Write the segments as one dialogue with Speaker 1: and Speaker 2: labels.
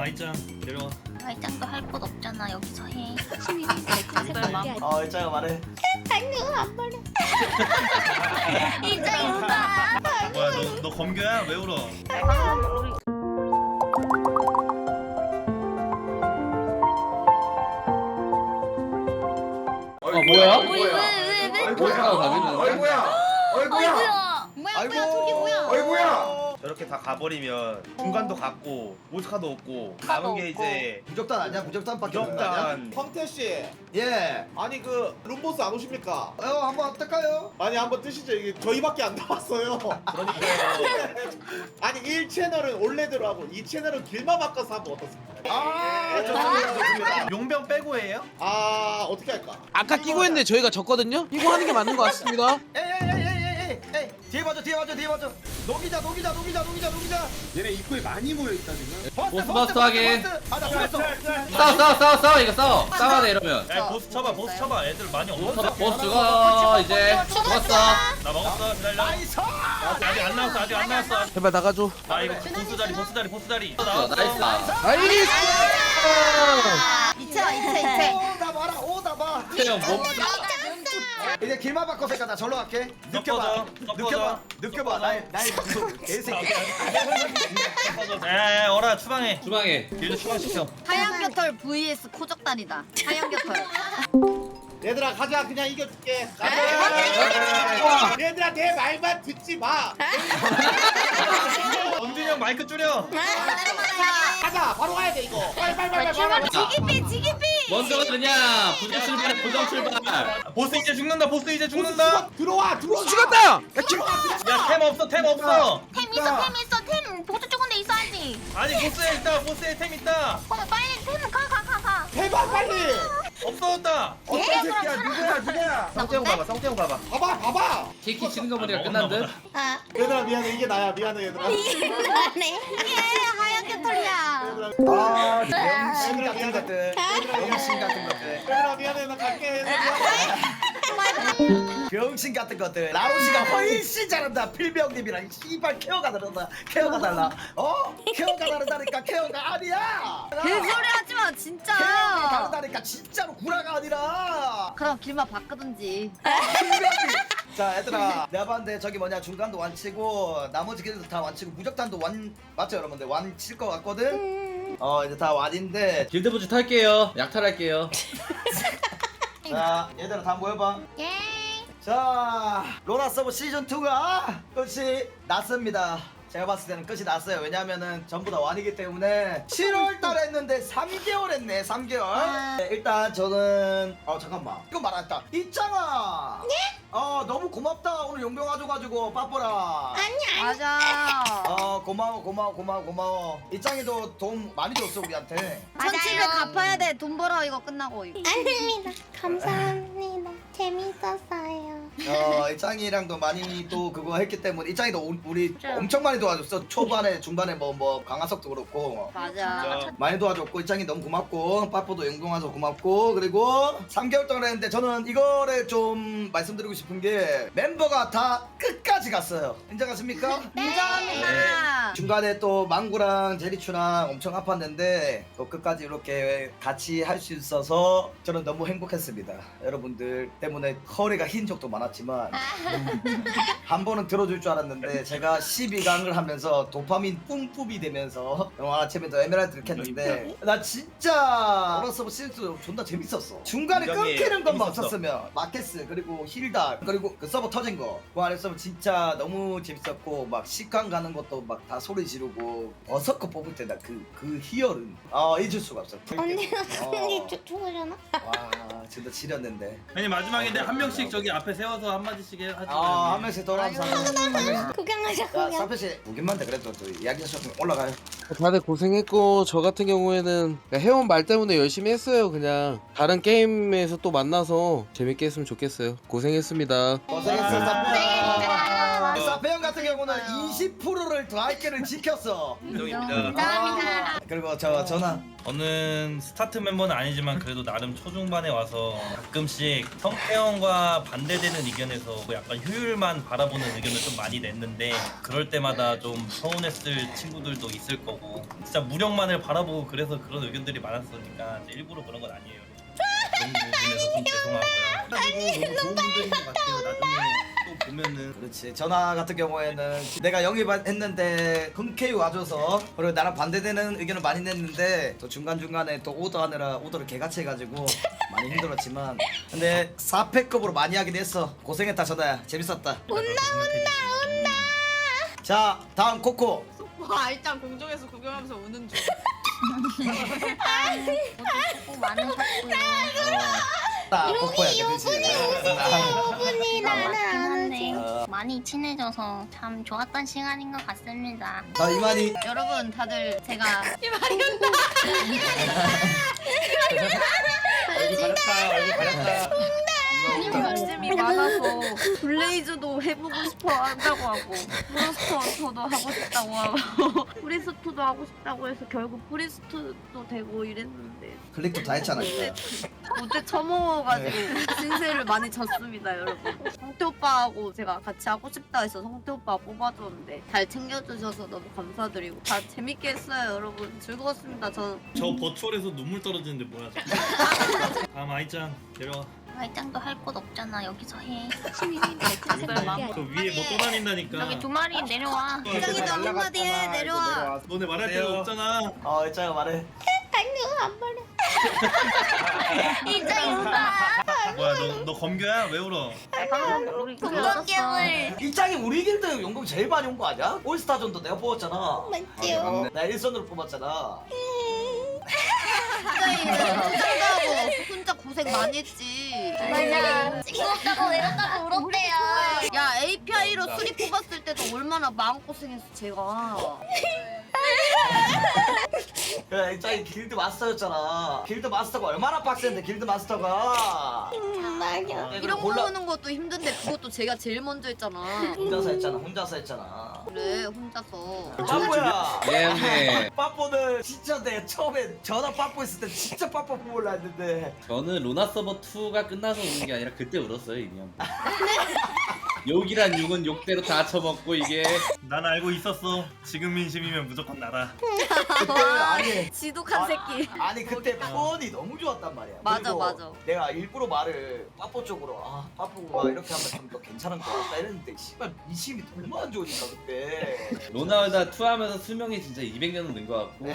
Speaker 1: 와이짱 내려와.
Speaker 2: 말짱도 할 것 없잖아. 여기서 해.
Speaker 3: 일장아 말해.
Speaker 2: 아니요 안 말해. 이짱이 울다.
Speaker 1: 뭐야 너 검교야? 왜 울어?
Speaker 4: 뭐야?
Speaker 2: 왜?
Speaker 3: 어이구야.
Speaker 2: 뭐야 저기 뭐야?
Speaker 3: 어이구야.
Speaker 1: 저렇게 다 가버리면 중간도 갔고 모스카도 없고 남은 게 이제
Speaker 3: 무적단 아니야? 무적단밖에 없는 거 아니야?
Speaker 1: 무적단.
Speaker 5: 황태씨,
Speaker 3: 예.
Speaker 5: 아니 그 룸보스 안 오십니까?
Speaker 3: 한번 뜰까요?
Speaker 5: 아니 한번 뜨시죠. 이게 저희밖에 안 나왔어요.
Speaker 1: 그러니까요.
Speaker 5: 아니 1채널은 올레드로 하고 2채널은 길만 바꿔서 하면 어떻습니까?
Speaker 3: 좋습니다.
Speaker 1: 용병 빼고 해요?
Speaker 5: 아 어떻게 할까?
Speaker 4: 아까 끼고 했는데 저희가 졌거든요? 끼고 하는 게 맞는 것 같습니다.
Speaker 3: 에이, 뒤에 봐줘. 녹이자.
Speaker 6: 얘네 입구에 많이 모여있다 지금.
Speaker 7: 보스 하게.
Speaker 3: 나 버스.
Speaker 7: 싸워 이거 싸워야 돼 이러면.
Speaker 1: 야 보스 쳐봐 애들 많이 없어.
Speaker 7: 보스 죽어 이제 죽었어.
Speaker 1: 나 먹었어 기다려.
Speaker 3: 나이스.
Speaker 1: 아직 안 나왔어.
Speaker 4: 제발 나가줘.
Speaker 1: 나 이거 보스 자리.
Speaker 7: 나이스.
Speaker 4: 나이스!
Speaker 2: 이채.
Speaker 3: 오다 봐.
Speaker 7: 태형 뭐?
Speaker 3: 이제 길만 바꿔서 나 절로 갈게. 느껴봐. 나의 개새끼.
Speaker 1: 에 어라 추방해.
Speaker 7: 주방에.
Speaker 1: 길도 추방시켜.
Speaker 2: 하얀 겨털 vs 코적단이다. 하얀 겨털.
Speaker 5: 얘들아 가자. 그냥 이겨줄게. 얘들아 내 말만 듣지 마.
Speaker 1: 엄준이 형 마이크 줄여.
Speaker 5: 가자. 바로 가야 돼 이거. 빨리.
Speaker 2: 지기피.
Speaker 7: 먼저 가느냐? 부정 출발.
Speaker 1: 보스 이제 죽는다.
Speaker 5: 들어와.
Speaker 4: 죽었다! 야,
Speaker 1: 야 템 없어.
Speaker 2: 템 있어. 템 보조 쪽인데 있어야지.
Speaker 1: 아니 보스에 템 있다.
Speaker 2: 빨리 템 가.
Speaker 5: 대박 빨리.
Speaker 1: 없어졌다.
Speaker 3: 어떤 새끼야? 누구야?
Speaker 1: 성태형 가봐.
Speaker 5: 봐봐.
Speaker 7: 키키 치는 거 보니까 끝난 듯.
Speaker 5: 얘들아 미안해. 이게 나야. 미안해 얘들아.
Speaker 2: 이게 하얀 겨털이야.
Speaker 3: 병신 같은 것들.
Speaker 5: 얘들아 미안해. 나 갈게.
Speaker 3: 병신 같은 것들. 라로시가 훨씬 잘한다. 필병님이랑 씨발 케어가 다르다. 케어가 달라. 케어가 다르다니까. 케어가 아니야.
Speaker 2: 개소리 하지 마
Speaker 3: 케어가
Speaker 2: 진짜.
Speaker 3: 다르다니까. 진짜로 구라가 아니라.
Speaker 2: 그럼 길만 바꾸든지.
Speaker 3: 자 얘들아 내가 봤는데 저기 뭐냐 중간도 완치고 나머지 길도 다 완치고 무적단도 맞죠 여러분들 완칠 것 같거든. 이제 다 완인데
Speaker 7: 길드부츠 탈게요. 약탈할게요.
Speaker 3: 자 얘들아 다 모여봐.
Speaker 2: 예.
Speaker 3: 자 로라 서브 시즌2가 끝이 났습니다. 제가 봤을 때는 끝이 났어요. 왜냐면은 전부 다 완이기 때문에 7월달 했는데 3개월 했네. 3개월. 네, 일단 저는 잠깐만 이거 말았다. 이짱아. 네? 너무 고맙다. 오늘 용병 와줘가지고 빠뽀라.
Speaker 2: 맞아.
Speaker 3: 고마워. 이짱이도 돈 많이 줬어 우리한테.
Speaker 2: 1700 갚아야 돼. 돈 벌어 이거 끝나고.
Speaker 8: 아닙니다. 감사합니다. 재밌었어요.
Speaker 3: 이짱이랑도 많이 또 그거 했기 때문에 이짱이도 우리 엄청 많이 도와줬어. 초반에 중반에 뭐 강화석도 그렇고
Speaker 2: 맞아.
Speaker 3: 많이 도와줬고 이짱이 너무 고맙고 빠뽀도 용병 와서 고맙고 그리고 3개월 동안 했는데 저는 이거를 좀 말씀드리고 싶은 게 멤버가 다 끝까지 갔어요. 인정하십니까?
Speaker 2: 인정합니다.
Speaker 3: 중간에 또 망구랑 제리추랑 엄청 아팠는데 또 끝까지 이렇게 같이 할 수 있어서 저는 너무 행복했습니다. 여러분들 때문에 허리가 흰 적도 많았지만 한 번은 들어줄 줄 알았는데 제가 12강을 하면서 도파민 뿜뿜이 되면서 영화 아침에도 에메랄드를 캤는데 나 진짜 어렸을 때 시즌2 존나 재밌었어. 중간에
Speaker 1: 굉장히
Speaker 3: 끊기는 것만
Speaker 1: 재밌었어.
Speaker 3: 없었으면 마켓스 그리고 힐다 그리고 그 서버 터진 그 안에 서버 진짜 너무 재밌었고 막 식강 가는 것도 막 다 소리 지르고 버섯거 뽑을 때나 그 희열은 잊을 수가 없어.
Speaker 8: 언니가 언니 죽으려나?
Speaker 3: 와 진짜 지렸는데
Speaker 1: 아니 마지막인데 한 명씩 저기 앞에 세워서 한 마디씩 하지.
Speaker 3: 한 명씩 돌아가면서 한 명씩.
Speaker 8: 구경하자
Speaker 3: 자
Speaker 8: 구경.
Speaker 3: 사표씨 보기만 돼 그래도 또 이야기하셨으면 올라가요.
Speaker 4: 다들 고생했고 저 같은 경우에는 해온 말 때문에 열심히 했어요. 그냥 다른 게임에서 또 만나서 재밌게 했으면 좋겠어요. 고생했습니다.
Speaker 3: 고생했어 사페 형 같은 경우는 20%를 더 할게를 지켰어.
Speaker 1: 인정입니다.
Speaker 2: 감사합니다.
Speaker 3: 그리고 저 전화.
Speaker 1: 저는 스타트 멤버는 아니지만 그래도 나름 초중반에 와서 가끔씩 성태형과 반대되는 의견에서 약간 효율만 바라보는 의견을 좀 많이 냈는데 그럴 때마다 좀 서운했을 친구들도 있을 거고 진짜 무력만을 바라보고 그래서 그런 의견들이 많았으니까 이제 일부러 그런 건 아니에요. 그런 부분에서 좀 죄송하고요.
Speaker 3: 너무 좋은 분들인 것 같아요. 나중에 또 보면은. 그렇지. 전화 같은 경우에는 내가 영입했는데 흔쾌히 와줘서 그리고 나랑 반대되는 의견을 많이 냈는데 또 중간중간에 또 오더하느라 오더를 개같이 해가지고 많이 힘들었지만 근데 4패급으로 많이 하긴 했어. 고생했다 전화야. 재밌었다.
Speaker 1: 온다.
Speaker 3: 자 다음 코코.
Speaker 9: 와 일단 공중에서 구경하면서 우는 중.
Speaker 2: 수고 많으셨고요.
Speaker 3: 코코야.
Speaker 8: 오분이 나는 안
Speaker 2: 네,
Speaker 8: 오지.
Speaker 2: 많이 친해져서 참 좋았던 시간인 것 같습니다.
Speaker 3: 자 이만희.
Speaker 9: 여러분 다들 제가
Speaker 1: 얼굴 가렸다. 얼굴 가렸다.
Speaker 9: 말씀이 많아서 블레이즈도 해보고 싶어 한다고 하고 프로스토도 하고 싶다고 하고 프리스토도 하고 싶다고 해서 결국 프리스토도 되고 이랬는데
Speaker 3: 클릭도 다 했잖아.
Speaker 9: 못해 처먹어가지고 신세를 많이 졌습니다 여러분. 성태 오빠하고 제가 같이 하고 싶다 해서 성태 오빠 뽑아줬는데 잘 챙겨주셔서 너무 감사드리고 다 재밌게 했어요 여러분. 즐거웠습니다. 저는
Speaker 1: 저 버추얼에서 눈물 떨어지는데 뭐야? 다음 아이짱 데려와.
Speaker 2: 말짱도 할 곳 없잖아. 여기서 해.
Speaker 1: 저 위에 뭐 떠다닌다니까.
Speaker 2: 여기 두 마리 내려와.
Speaker 9: 굉장히 너 한마디 해 내려와.
Speaker 1: 너네 말할 데가 없잖아.
Speaker 3: 일장아 말해.
Speaker 8: 안 말해.
Speaker 1: 뭐야 너 검교야? 왜 울어?
Speaker 2: 우리
Speaker 8: 공격gem을
Speaker 3: 일장이 우리 길드 용금 제일 많이 온 거 아니야? 올스타전도 내가 뽑았잖아.
Speaker 8: 맞지요?
Speaker 3: 나 1선으로 뽑았잖아.
Speaker 9: 긴장하고 혼자 고생 많이 했지.
Speaker 8: 맞아. 징그럽다고 외롭다고 울었대요.
Speaker 9: 야 API로 수리 뽑았을 때도 얼마나 마음고생했어 제가.
Speaker 3: 야 일장이 길드 마스터였잖아. 길드 마스터가 얼마나 빡센데 길드 마스터가.
Speaker 8: 맞아.
Speaker 9: 이런 거 보는 것도 힘든데 그것도 제가 제일 먼저 했잖아.
Speaker 3: 혼자서 했잖아.
Speaker 9: 그래 혼자서.
Speaker 3: 빠뽀야.
Speaker 7: 예 형님.
Speaker 3: 빠뽀는 진짜 내 처음에 전화 빠뽀 했을 때 진짜 빠뽀 뽑으려 했는데
Speaker 7: 저는 루나 서버 2가 끝나서 우는 게 아니라 그때 울었어요 이미 한 번. 욕이란 욕은 욕대로 다 쳐먹고 이게
Speaker 1: 난 알고 있었어. 지금 민심이면 무조건 나다.
Speaker 3: 그때 아니
Speaker 9: 지독한 새끼.
Speaker 3: 아니 그때 폰이 너무 좋았단 말이야.
Speaker 9: 맞아,
Speaker 3: 그리고
Speaker 9: 맞아.
Speaker 3: 내가 일부러 말을 빠뽀 쪽으로 빠뽀가 이렇게 하면 좀 더 괜찮은 거 같다 이랬는데 씨발 민심이 너무 안 좋으니까 그때.
Speaker 7: 로나울다 2 하면서 수명이 진짜 200년은 는 것 같고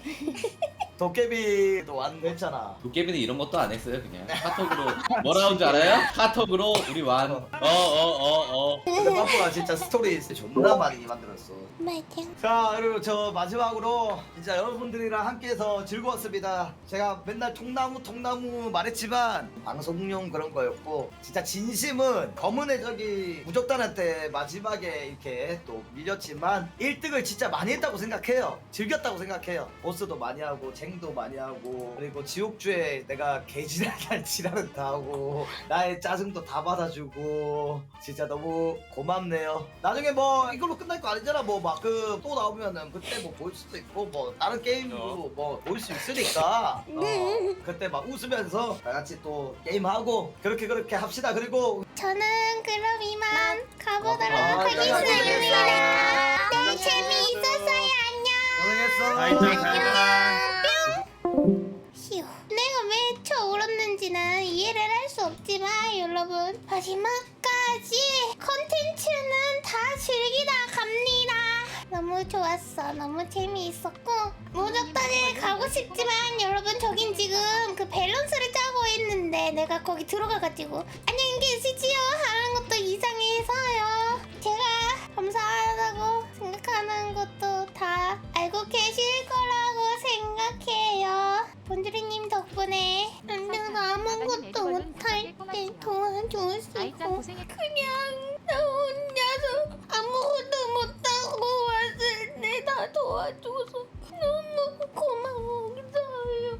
Speaker 3: 도깨비도 완했잖아.
Speaker 7: 도깨비는 이런 것도 안 했어요 그냥 카톡으로 뭐라 온줄 알아요? 카톡으로 우리 완
Speaker 3: 근데 빠뽀가 진짜 스토리 존나 많이 만들었어.
Speaker 8: 맞아.
Speaker 3: 자 그리고 저 마지막으로 진짜 여러분들이랑 함께해서 즐거웠습니다. 제가 맨날 통나무 말했지만 방송용 그런 거였고 진짜 진심은 검은의 저기 무적단한테 마지막에 이렇게 또 밀렸지만 1등을 진짜 많이 했다고 생각해요. 즐겼다고 생각해요. 보스도 많이 하고 쟁도 많이 하고 그리고 지옥주에 내가 개지랄한 지랄은 다 하고 나의 짜증도 다 받아주고 진짜 너무 고맙네요. 나중에 뭐 이걸로 끝날 거 아니잖아. 뭐 막 그 또 나오면은 그때 뭐 볼 수도 있고 뭐 다른 게임으로 뭐 볼 수 있으니까 그때 막 웃으면서 다 같이 또 게임하고 그렇게 합시다. 그리고
Speaker 8: 저는 그럼 이만 가보도록
Speaker 3: 고생했어.
Speaker 8: 하겠습니다. 너무 재미있었어요. 안녕.
Speaker 1: 아이짱 잘 가라.
Speaker 8: 휴. 내가 왜 울었는지는 이해를 할 수 없지만 여러분 마지막까지 컨텐츠는 다 즐기다 갑니다. 너무 좋았어. 너무 재미있었고 무적단에 가고 싶지만 여러분 저긴 지금 그 밸런스를 짜고 있는데 내가 거기 들어가가지고 안녕히 계시지요 하는 것도 이상해서요. 제가 감사하다고 생각하는 것도 다 알고 계실 거라고 생각해요. 본주리님 덕분에 내가 아무것도 못할 때 도와줄 수 있고 그냥 나 혼자서 아무것도 못하고 왔을 때 다 도와줘서 너무 고마워요.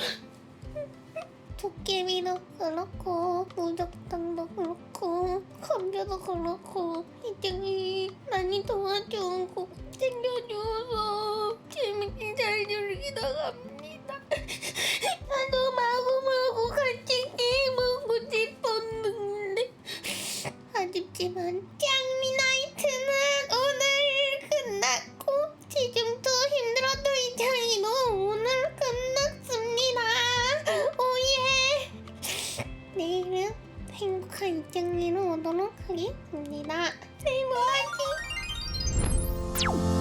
Speaker 8: 도깨비도 그렇고 무적당도 그렇고 감자도 그렇고 이쪽이 많이 도와주고 챙겨줘서 재밌게 잘 즐기다 행복한 입장으로 오도록 하겠습니다. 세이버 화이팅!